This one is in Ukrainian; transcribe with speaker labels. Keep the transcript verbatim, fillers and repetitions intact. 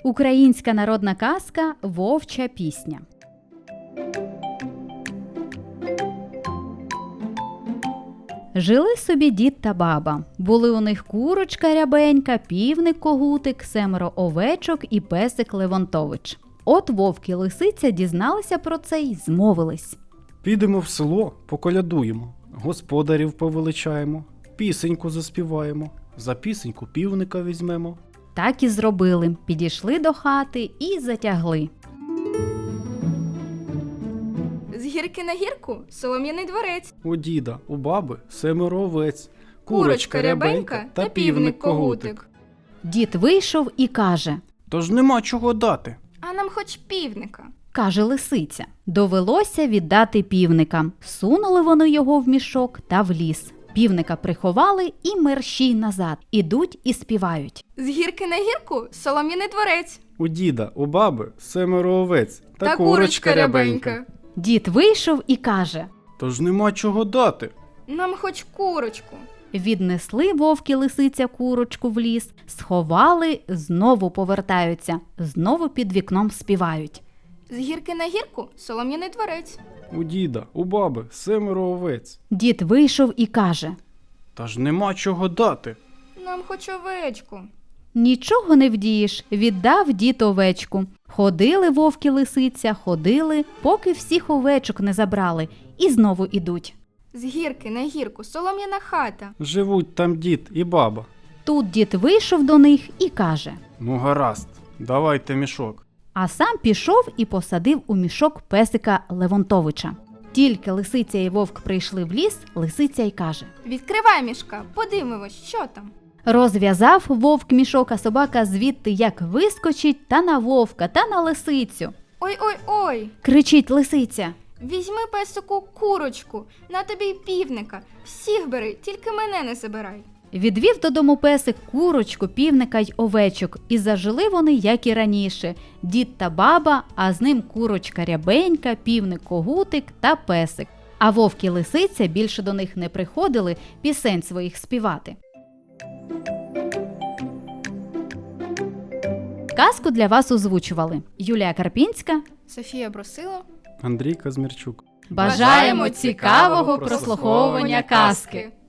Speaker 1: Українська народна казка «Вовча пісня». Жили собі дід та баба. Були у них курочка рябенька, півник когутик, семеро овечок і песик Левонтович. От вовк і лисиця дізналися про це й змовились.
Speaker 2: Підемо в село, поколядуємо, господарів повеличаємо, пісеньку заспіваємо, за пісеньку півника візьмемо.
Speaker 1: Так і зробили. Підійшли до хати і затягли.
Speaker 3: З гірки на гірку солом'яний дворець.
Speaker 2: У діда, у баби семеро овець,
Speaker 3: Курочка рябенька та півник когутик.
Speaker 1: Дід вийшов і каже:
Speaker 2: Тож нема чого дати.
Speaker 3: А нам хоч півника.
Speaker 1: Каже лисиця. Довелося віддати півника. Сунули вони його в мішок та в ліс. Півника приховали і мерщій назад. Ідуть і співають.
Speaker 3: З гірки на гірку солом'яний дворець.
Speaker 2: У діда, у баби семеро овець та,
Speaker 3: Та курочка рябенька.
Speaker 1: Дід вийшов і каже:
Speaker 2: Тож нема чого дати.
Speaker 3: Нам хоч курочку.
Speaker 1: Віднесли вовк і лисиця курочку в ліс, сховали, знову повертаються, знову під вікном співають.
Speaker 3: З гірки на гірку солом'яний дворець.
Speaker 2: У діда, у баби семеро овець.
Speaker 1: Дід вийшов і каже:
Speaker 2: Та ж нема чого дати.
Speaker 3: Нам хоч овечку.
Speaker 1: Нічого не вдієш, віддав дід овечку. Ходили вовк і лисиця, ходили, поки всіх овечок не забрали, і знову ідуть.
Speaker 3: З гірки на гірку солом'яна хата.
Speaker 2: Живуть там дід і баба.
Speaker 1: Тут дід вийшов до них і каже:
Speaker 2: Ну гаразд, давайте мішок.
Speaker 1: а сам пішов і посадив у мішок песика Левонтовича. Тільки лисиця і вовк прийшли в ліс, лисиця й каже:
Speaker 3: Відкривай мішка, подивимось, що там.
Speaker 1: розв'язав вовк мішок, а собака звідти як вискочить та на вовка, та на лисицю.
Speaker 3: Ой-ой-ой,
Speaker 1: Кричить лисиця:
Speaker 3: візьми песику курочку, на тобі й півника. Всіх бери, тільки мене не забирай.
Speaker 1: Відвів додому песик курочку, півника й овечок, і зажили вони, як і раніше. Дід та баба, а з ним курочка рябенька, півник когутик та песик. А вовк і лисиця більше до них не приходили пісень своїх співати. Казку для вас озвучували Юлія Карпінська.
Speaker 3: Софія Брусило.
Speaker 2: Андрій Казмірчук.
Speaker 1: Бажаємо цікавого прослуховування казки!